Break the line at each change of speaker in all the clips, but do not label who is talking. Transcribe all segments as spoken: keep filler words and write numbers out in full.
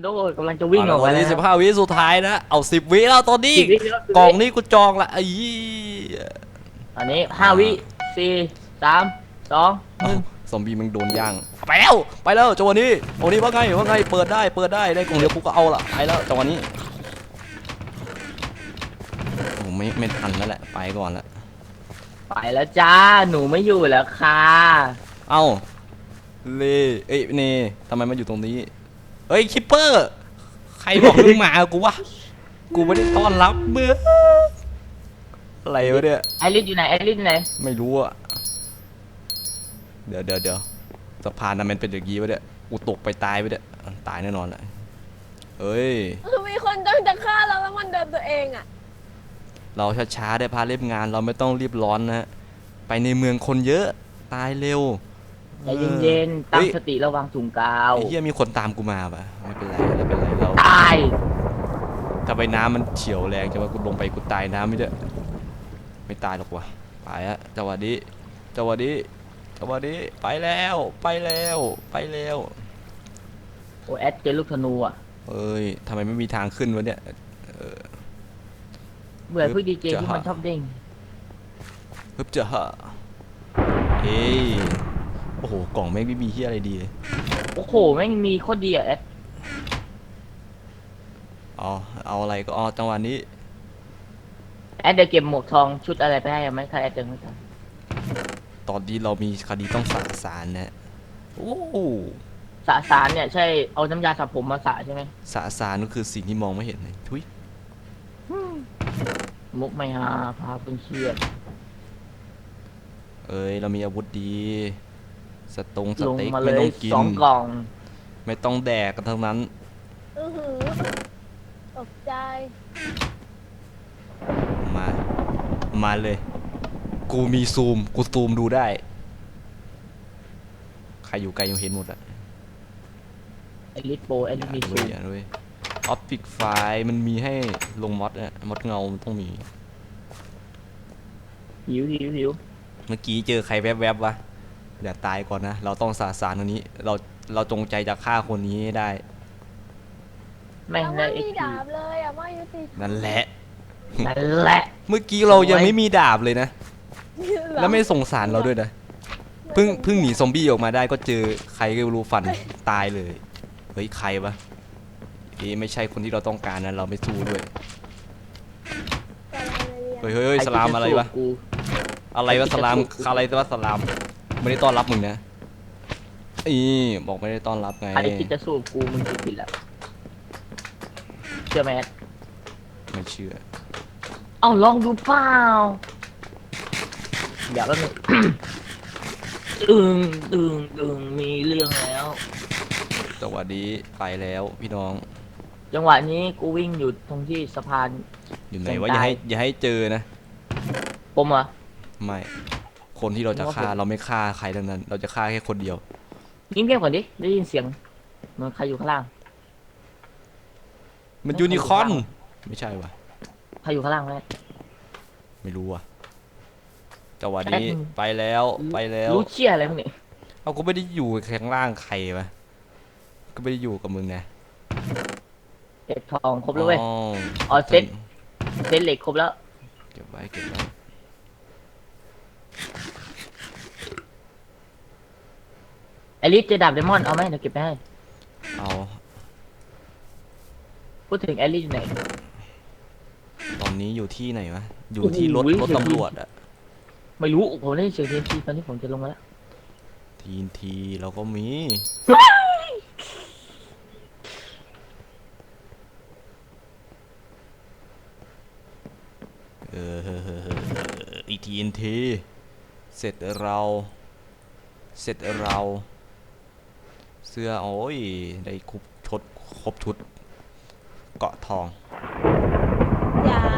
แล้วกำลังจะวิ่งออก
ตอน
ไปแล้ว
นี้สิบห้าวิสุดท้ายนะเอาสิบวิแล้วตอนนี้
สิบวิแล้วสิบวิ
กล่องนี้กูจองละไอ้ยี่
ตอนนี้ห้าวิสี่สามสองหนึ่ง
ซอมบี้มึงโดนย่างไปแล้วไปแล้วจังหวะนี้จังหวะนี้ว่าไงว่าไงเปิดได้เปิดได้ได้กล่องเดียวกูก็เอาละไปแล้วจังหวะนี้โอ้ไม่ไม่ทันแล้วแหละไปก่อนละ
ไปแล้วจ้าหนูไม่อยู่แล้วค่ะ
เอ้าเลเอ้ยเนทำไมมาอยู่ตรงนี้เฮ้ยคิปเปอร์ใครบอกมึงมากูวะกูไม่ได้ต้อนรับเมื่ออะไรวะเนี่ย
ไอริสอยู่ไหนไอริสอยู่ไหน
ไม่รู้อะเดี๋ยวเดี๋ยวเดี๋ยวสะพานนั้นมันเป็นอย่างงี้วะเนี่ยกูตกไปตายไปเนี่ยตายแน่นอนแหละเอ้ย
คือมีคนจ้องจะฆ่าเราแล้วมันเดินตัวเองอ่ะ
เราช้าๆได้พาเล่มงานเราไม่ต้องรีบร้อนนะฮะไปในเมืองคนเยอะตายเร็ว
ใจเย็นๆตั้งสติระวังถุงกาว
ไอ้เหี้ยมีคนตามกูมาปะไม่เป็นไรไม่เป็นไรเรา
ตาย
ถ้าไปน้ำมันเฉียวแรงจะว่ากูลงไปกูตายน้ำไม่ได้ไม่ตายหรอกวะไปอะจังหวะนี้จังหวะนี้จังหวะนี้ไปแล้วไปแล้วไปแล้ว
โอแอดเจอลูกธนูอ่ะ
เอ้ยทำไมไม่มีทางขึ้นวะเนี่ยเออ
เบื่อพวกดีเจ
จะ
ที่มันชอบเด้ง
ฮึบเจาฮะเอ้ยโอ้โหกล่องแม่งไม่มีเฮียอะไรดีเลย
โอ้โหแม่งมีโคตรดีอ่ะแอด
อ๋อเอาอะไรก็อ๋อจังหวะนี้
แอดเดี๋ยวเก็บหมวกทองชุดอะไรไปให้ไหมถ้าแอดเจอไม่ทัน
ตอนนี้เรามีคดีต้องสะสารนะโอ้โห
สะสารเนี่ยใช่เอาน้ำยาสระผมมาสระใช่ไหม
สะสารก็คือสิ่งที่มองไม่เห็นเลยทุย
มุกไม่ฮาพาเป็นเครียด
เอ้ยเรามีอาวุธดีสตงส
ลง
เต็ก
มาเล
ไม่ต้
ย
องกิน
สองกล่อง
ไม่ต้องแดกกันทั้งนั้น
อือหือตกใจ
มามาเลย กูมีซูมกูซูมดูได้ใครอยู่ไกลยังเห็นหมดอะ
ไอริสโปรไอริสมี
ด้ว
ซู
ย
ม
อย่าด้วยออฟฟิกไฟล์มันมีให้ลงมอดอะมอดเงามันต้องมี
หิวหิวหิว
เมื่อกี้เจอใครแวบๆวะอย่าตายก่อนนะเราต้องสาสารตรงนี้เราเราจงใจจะฆ่าคนนี้ให้ได้
แม่ง
ยัง
ได้
ไม่
เอ็ก
มี
ซ์
ดาบเลยอ่ะไม่ยุติธรรม
นั่นแหละ
นั่นแหละ
เมื่อกี้เรายัง
สวย
ไม่มีดาบเลยนะ แล้วไม่สงสารเราด้วยนะเพิ่งเพิ่งหนีซอมบี้ออกมาได้ก็เจอใครก็ไม่รู้ฟันตายเลยเฮ้ยใครวะเอ๊ะไม่ใช่คนที่เราต้องการนะเราไม่สู้ด้วยเฮ้ยเฮ้ยเฮ้ย
ใค
สลาม
ที่จ
อะไรวะ
สู้กู
อะไรวะ
ใครที่
สลาม
จะสู้กู
อะไรวะสลามไม่ได้ต้อนรับมึงนะอีบอกไม่ได้ต้อนรับไง
ใครที่จะสู้กูมึงคิดผิดแล้วเชื่อไหมแอด
ไม่เชื่อ
เอ้าลองดูเปล่าเดี๋ยวแป๊บนึง ตึงตึงตึงมีเรื่องแล้ว
จังหวะนี้ไปแล้วพี่น้อง
จังหวะนี้กูวิ่งอยู่ตรงที่สะพาน
อยู่ไหน
เสียง
วะอย่า
ตาย
ให้อย่าให้เจอนะ
ผมเหรอ
ไม่ คนที่เราจะฆ่าเราไม่ฆ่าใครทั้งนั้น เราจะฆ่าแค่คนเดียว
ยิ้มเงียบก่อนดิได้ยินเสียงเหมือนใครอยู่ข้างล่าง
มันยูนิคอร์นไม่ใช่วะ
ใครอยู่ข้างล่างไหม
ไม่รู้อ่ะจังหวะนี้
แอด
ไปแล้วไปแล้ว
รู้เชี่ยอะไรมึงเนี่ย
เอาก็ไม่ได้อยู่ข้างล่างใครวะก็ไม่ได้อยู่กับมึงนะ
เก็บทองครบแล้วเว้ย
อ๋อ
อ๋อเซ็ต เซตเหล็กครบแล้ว
เก็บไว้เก็บไว้
ไอริสเจอดาบเดมอนเอาไหมเดี๋ยวเก็บไปให้
เอา
พูดถึงไอริสอยู่ไหน
ตอนนี้อยู่ที่ไหนวะอยู่ที่รถ
โอ้โห
รถตำรวจอะ
ไม่รู้ผมได้ยินเสียงเทนทีตอนนี้ผมจะลงมาแล้ว
ทีนทีเราก็มีเอออีทีนทีเสร็จเราเสร็จเราเสื้อโอ้ยได้ครบชดครบชุดเกาะทอง
อย่า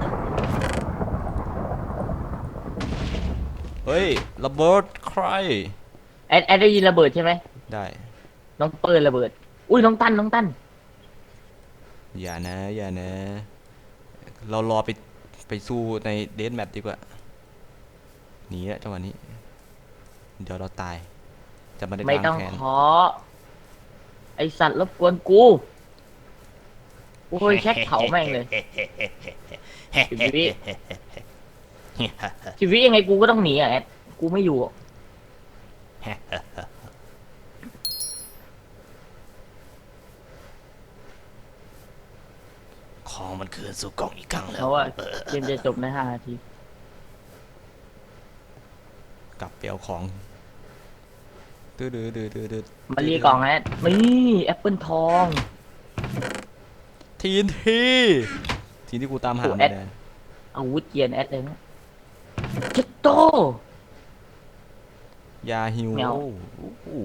เฮ้ยระเบิดใคร
แอดแอดได้ยินระเบิดใช่ไหม
ได้
น้องเปิดระเบิด อุ้ยน้องตั้นน้องตั้น
อย่านะอย่านะเรารอไปไปสู้ในเดธแมทดีกว่าหนีแล้วจังหวะนี้ เดี๋ยวเราตายจะไม่ได้
ไม่
ล้าง
ต้อง
แค้น
ขอ ไอสัตว์รบกวนกูโอ้ยแช็คเผาแม่งเลยชีวิตชีวิตยังไงกูก็ต้องหนีอ่ะแอดกูไม่อยู่
ของมันคืนสู่กล่องอีกครั้งแล้
เพ
ว
ราะว่าเกมจะจบในห้านาที
กลับไปเอาของดื้อดื้อดื้อดื้อดื้อ
มาเรียกกล่องแอดนี่แอปเปิลทอง
ทีนทีทีที่กูตามหา
โอ้
ไม่
แอด
ได้
อาวุธเกียนแอดเลยนะเจ็ดโต
ยาฮิว
แมว
โอ้โห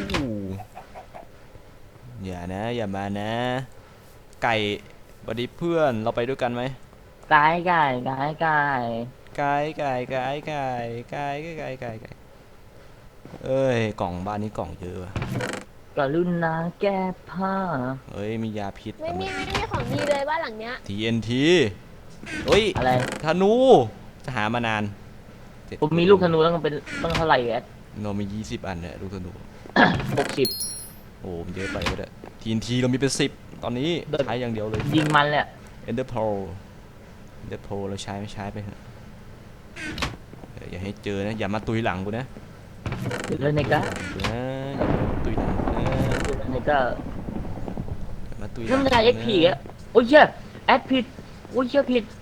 อย่านะ อย่ามานะ ไก่บัดดี้เพื่อนเราไปด้วยกันไหม
กายกายกายกาย
ไก่ไก่ไก่ไก่ไก่ไก่ไก่ไก่เอ้ยกล่องบ้านนี้กล่องเยอะว่ะ
กรุณาแก้ผ้า
เอ้ยมียาพิษ
ไม่มีไม่มีของดีเลยบ้านหลังเนี้ย
ทีเอ็นทีเฮ้ย
อะไร
ธนูจะหามานาน
ผมมีลูกธนูต้องเป็นต้องเท่าไหร่แอด
เรามียี่สิบอันเนี่ยลูกธนู
หกสิบ
โอ้มันเยอะไปก็ได้ทีนทีเรามีเป็นสิบตอนนี้
เดิน
ใช้อย่างเดียวเลย
ยิงมันแหละ
Ender Pearl Ender Pearl เราใช้ไม่ใช้ไปเถอะเอออย่าให้เจอนะ อย่ามาตุยหลังกูนะ
เดี๋ยวเลยในกะ
อย่ามาตุยหลังกูนะ
ในกะ
อย่ามาตุยหลั
เรื่อง
ง
อะไรเอ็กพีอ่ะโอ้ยเชี่ยแอดผิดโอ้ยเชี่ยผิด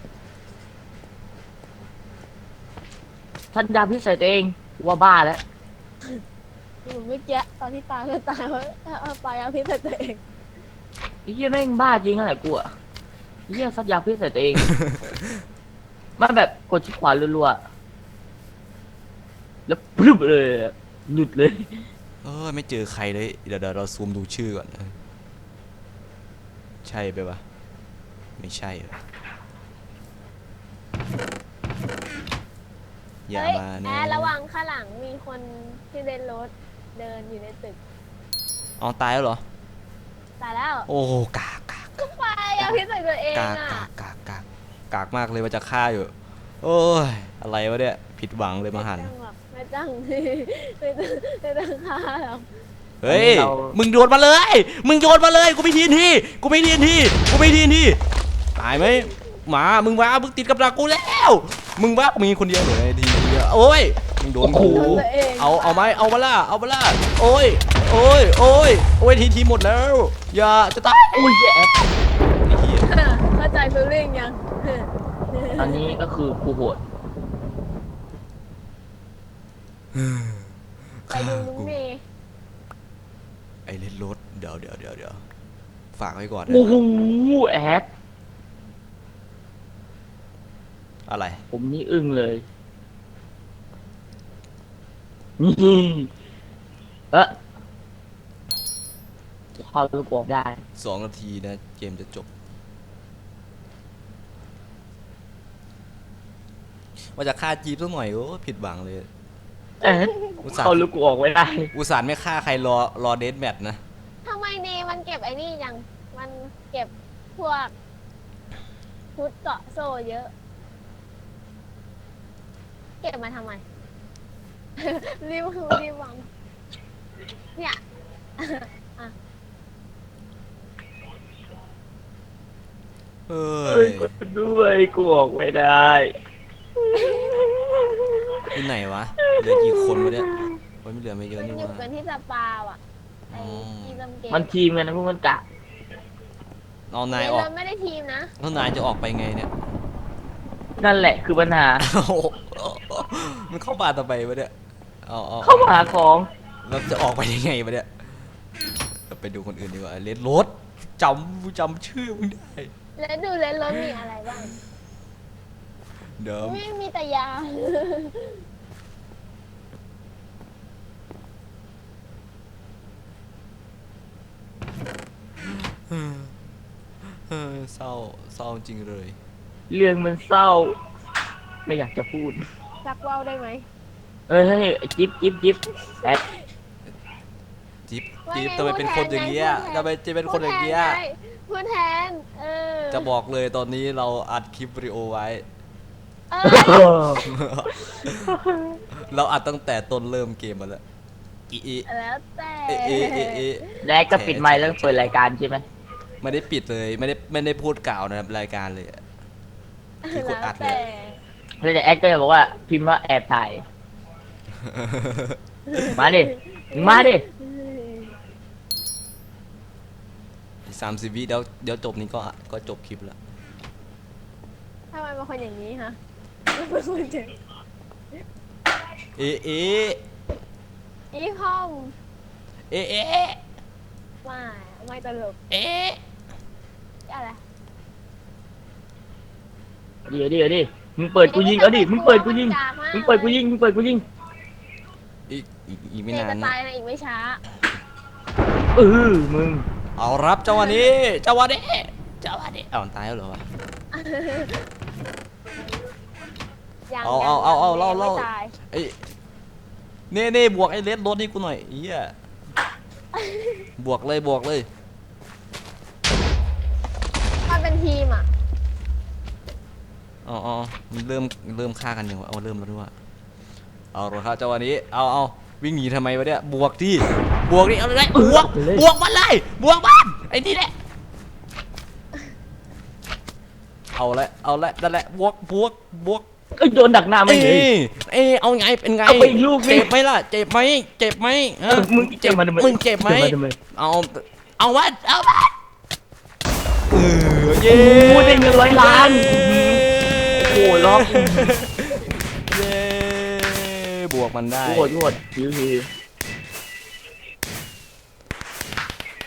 ท่านดาพิษใส่ตัวเองว่าบ้าแล้ว
ผมเมื่อกี้ตอนที่ตายก็ตายเพราะเอาไปเอาพิษใส่ตัวเอง
ไอ้เหี้ยแม่งบ้าจริงอะไรกูอ่ะไอ้เหี้ยซัดยาพิษใส่ตัวเอง มันแบบกดชิดขวารัวๆแล้วปลุบเลยอะหลุดเลย
เออไม่เจอใครเลย เดี๋ยวเดี๋ยวเราซูมดูชื่อก่อน ใช่ไปปะไม่ใช่เหรออย่า
เฮ้ย
มา
แอ
นะ
ร์ระวังข้างหลังมีคนที่เดินรถเดินอยู่ในตึก
เอาตายแล้วเหรอ
ตายแล้ว
โอ้กากกาก
ก็ไปเอาพิษใส่ตัวเอง
กาก
อ่ะ
กากกากกากกากมากเลยว่าจะฆ่าอยู่ โอ้ย อะไรวะเนี่ย ผิดหวังเลยมาหัน
ไม่ต้องแบบไม่ต้อง ไม่ต้องไม่ต้องฆ่าหรอก
เฮ้ย
เรา
มึงโยนมาเลย มึงโยนมาเลย กูไม่ทีนทีกูไม่ทีนทีกูไม่ทีนทีตายไหมหมา มึงว่ามึงติดกับดักกูแล้ว มึงว่ามีคนเดียวเหรอไอ้ทีเดียวโอ้ย มึงโดนกู
โดนตัวเอง
เอา เอาไหมเอามาล่ะ เอามาล่ะโอ้ย โอ้ย โอ้ย โอ้ยทีทีหมดแล้ว อย่า จะตาย
อุ้ยเหี้ยแอด
ไอ้เหี้ย
เข้าใจฟีลลิ่งยัง
ตอนนี้ก็คือกูโหด
ไปดูลุงเมย์
ไอ้เล่นรถ เดี๋ยวเดี๋ยวเดี๋ยวเดี๋ยวฝากไว้ก่อนนะ
โอ้โหแอด
อะไร
ผมนี่อึ้งเลยนี่เอ๊ะเข้าลูกบอกได้
สองนาทีนะ เกมจะจบ ว่าจะฆ่าจีบสักหน่อยโอ้ผิดหวังเลย
เอ๊ะ
อุตส่าห์
เข้าลูกบอกไม่ได้
อุตส่าห์ไม่ฆ่าใครรอรอเดทแมทนะ
ทำไมเนมันเก็บไอ้นี่ยังมันเก็บพวกชุดเกาะโซ่เยอะ เก็บมาทำไม รีบคือรีบวางเนี่ย
เอ้
เอ้ย
ย
กดด้วยกูออกไม่ได้
ที่ไหนวะ เหลือกี่คนวะเนี่ยโอ้ยไม่เหลือไม่เยอะ
มัน
นี่
อยู่
วะ
กันที่สปาว่ะไอ้ที่ลำเกม
มันทีมกันนะพวกมันกะ
เอานายออก
เราไม่ได้ทีมนะ
แล้วนายจะออกไปไงเนี่ย
นั่นแหละคือปัญหา
โอ้โหมันเข้าบ้านต่อไปวะเนี่ยเอาเอา
เข้ามาหาของ
แล้วจะออกไปยังไงวะเนี่ยเราไปดูคนอื่นดีกว่าเลนรถจำจำชื่อมึงได้
แล้วดูเลนรถมีอะไรบ้าง
เดิม
ไม่มีแต่ยา
เออเศร้าเศร้าจริงเลย
เรื่องมันเศร้า ไม่อยากจะพูด
ซักว่าวได้ไหม
เอ้ยเฮ้ยจิ๊บจิ๊บจิ๊บแอด
จิ๊บ
ว่า
จิ๊บ
ไง
ทำไมเป็นคนอย่างเงี้ย
พูดแทน
ทำไมจะเป็นคนอย่างเงี้ย
พูดแทนเออ
จะบอกเลยตอนนี้เราอัดคลิปวิดีโอไว้
เออ
เราอัดตั้งแต่ต้นเริ่มเกมมาแล้วอีอี
แล้วแต่
เอะเอะเอะเอะ
แดกก็ปิดไมค์แล้วเปิดรายการใช่ไหม
ไม่ได้ปิดเลยไม่ได้ไม่ได้พูดกล่าวนะครับรายการเลยอะ ที่กดอัดเนี่ย
แล้วแต่แอดก็จะบอกว่าพิมพ์ว่าแอบถ่าย มาดิมึงมาดิ
สามสิบวิเดี๋ยวเดี๋ยวจบนี้ก็ก็จบคลิปแล้ว
ทำไมเป็นคนอย่างนี้ฮะเป็นคนเจ๋ง
เอะเอะ
อีคอม
เอะเอะ
ไม่ไม่ตลก
เอ๊ะ
อะไร
เดี๋ยวดิเดี๋ยวดิมึงเปิดกูยิงเอาดิมึงเปิดกูยิงมึงเปิดกูยิงมึงเปิดกูยิง
อีกอีกอีกไม่
เจ
นาน
จะ
นะ
ตายในอีกไม่ช้า
เออมึง
เอารับเจ้าวันนี้เจ้าวันนี้เจ้าวันนี้เอาตายแล้วเหรอวะ
ยัง
เอา
ยัง
เอาเอาเอา
ยัง
เล่า
ไม่
เล่า
ตาย
ไอ้เน่เน่บวกไอ้เลสรถนี่กูหน่อยเอี้ยบวกเลยบวกเลย
มันเป็นทีมอ่ะ
อ๋ออ๋อมันเริ่มเริ่มฆ่ากันยังวะเอาเริ่มแล้วด้วยเอาละครับเจ้าวันนี้เอาเอาวิ่งหนีทำไมวะเนี่ยบวกที่บวกดิเอาเลยบวกบวกมันเลยบวกมันไอ้นี่แหละเอาละเอาละนั่นแหละบวกบวกบวก
เอ้ยโดนดักหน้าไม่
เอ้
เลย
ยเอ้ยเอาไงเป็นไง
เอาไปอีกลูกดิ
เจ็บไหมล่ะเจ็บไหมเจ็บไหมฮะ
มึงเจ็บมาทำไม
มึงเจ็บไหม
เจ็บมาทำไม
เอาเอาวัดเอาวัดเออเย้
โอ้ได้เงินร้อยล้าน โอ้โหล็อก
เย้บวกมันได้
โคตรโคตรชิวๆ